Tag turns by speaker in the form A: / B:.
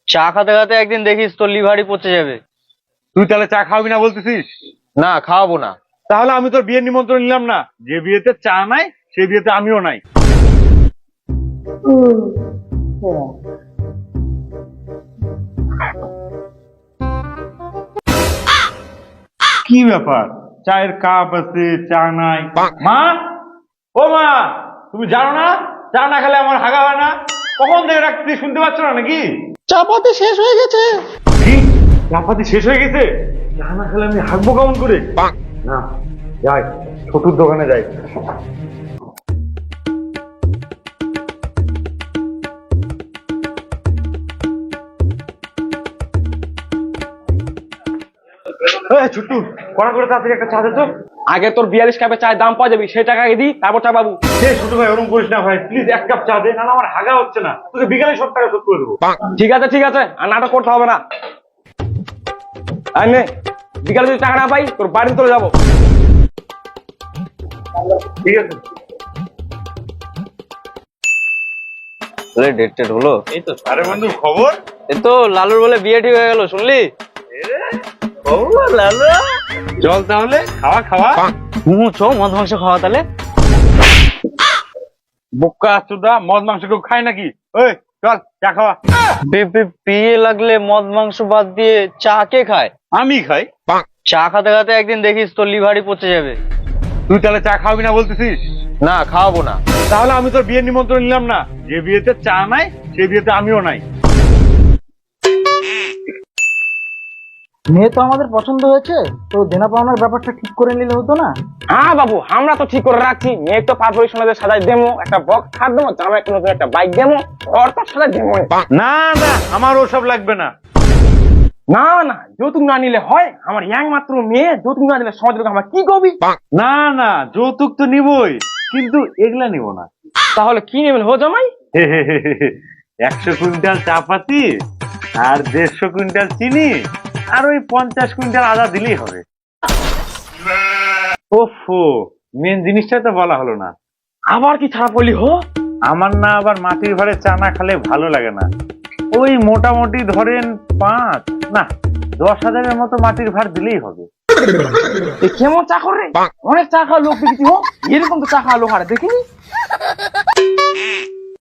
A: চা খাতে খাতে একদিন দেখিস তোর লিভারই পচে যাবে।
B: তুই তাহলে চা খাওয়াবি না বলতেছিস?
A: না, খাওয়াবো না।
B: তাহলে আমি তোর বিয়ের নিমন্ত্রণ নিলাম না। যে বিয়েতে চা নাই সেই বিয়েতে আমিও নাই। কি ব্যাপার, চায়ের কাপ আছে চা নাই? মা, ও মা, তুমি জানো না চা না খেলে আমার হাগা হয় না? কখন থেকে রাখতে শুনতে পাচ্ছ না নাকি?
C: চাপাতি শেষ হয়ে গেছে।
B: কি চাপাতি শেষ হয়ে গেছে? চা না খেলে আমি হাগবো কেমন করে? না, যাই ছোটুর দোকানে যাই। ছোট্টু, কড়া করে তাড়াতাড়ি একটা চা দে তো।
A: আগে তোর 42 কাপে চায়ের দাম পাওয়া যাবে, সেই টাকা আগে দিই, তারপর চা পাবো।
B: ছোট ভাই, ওরকম করিস না ভাই, প্লিজ এক কাপ চা দে, না আমার হাগা হচ্ছে না। তোকে বিকালে সব টাকা শোধ করে দেবো।
A: ঠিক আছে ঠিক আছে, আর নাটক করতে হবে না। আর নে, বিকালে যদি টাকা না পাই তোর বাড়িতে চলে যাবো।
B: ঠিক আছে।
A: ডেট টেট হলো?
B: এই তো। আরে বন্ধু, খবর?
A: এই তো লালুর বলে বিয়ে ঠিক হয়ে গেল, শুনলি?
B: চল তাহলে, খাওয়া খাওয়া।
A: চ মদ মাংস খাওয়া তাহলে।
B: বোকা চোদা, মদ মাংস কেউ খায় নাকি? ওই চল চা খাওয়া।
A: বিয়ে লাগলে মদ মাংস বাদ দিয়ে চা কে খায়?
B: আমি খাই।
A: চা খাতে খাতে একদিন দেখিস তোর লিভারই পচে যাবে।
B: তুই তাহলে চা খাওয়াবি না বলতেছিস?
A: না, খাওয়াবো না।
B: তাহলে আমি তোর বিয়ের নিমন্ত্রণ নিলাম না। যে বিয়েতে চা নাই সেই বিয়েতে আমিও নাই।
C: মেয়ে তো আমাদের পছন্দ হয়েছে, তো দেনা পাওনার ব্যাপারটা ঠিক করে নিলে হতো না?
A: হ্যাঁ বাবু, আমরা তো ঠিক করে রাখছি। মেয়ে তো পারফরি সোনাদের সাজাই দেবো, একটা বক্স খাট দেবো, জামা একটা নতুন একটা বাইক দেবো, ওর তো সাজাই দেবো।
B: না না, আমার ওসব লাগবে না।
A: না না, যৌতুক না নিলে হয়? আমার ইয়াং মাত্র মেয়ে, যৌতুক না দিলে সমাজের লোক আমার কি করবি?
B: না না, যৌতুক তো নিবই, কিন্তু এগুলা নিব না।
A: তাহলে কি নেবেন হো জামাই?
B: 100 কুইন্টাল চাপাতি আর 150 কুইন্টাল চিনি আর ওই 50 কুইন্টাল আদা দিলেই হবে। ওফো, মেন জিনিসটা তো বলা হলো না।
A: আবার কি ছাড়া পড়লি হো?
B: আমার না আবার মাটির ভাড়ে চা না খেলে ভালো লাগে না। ওই মোটামুটি ধরেন 5 না 10,000-এর মতো মাটির ভাড় দিলেই হবে।
A: কেমন চা করে? অনেক চা খাওয়া লোক দেখেছি হো, এরকম তো চা খাওয়া লোক আর দেখিনি।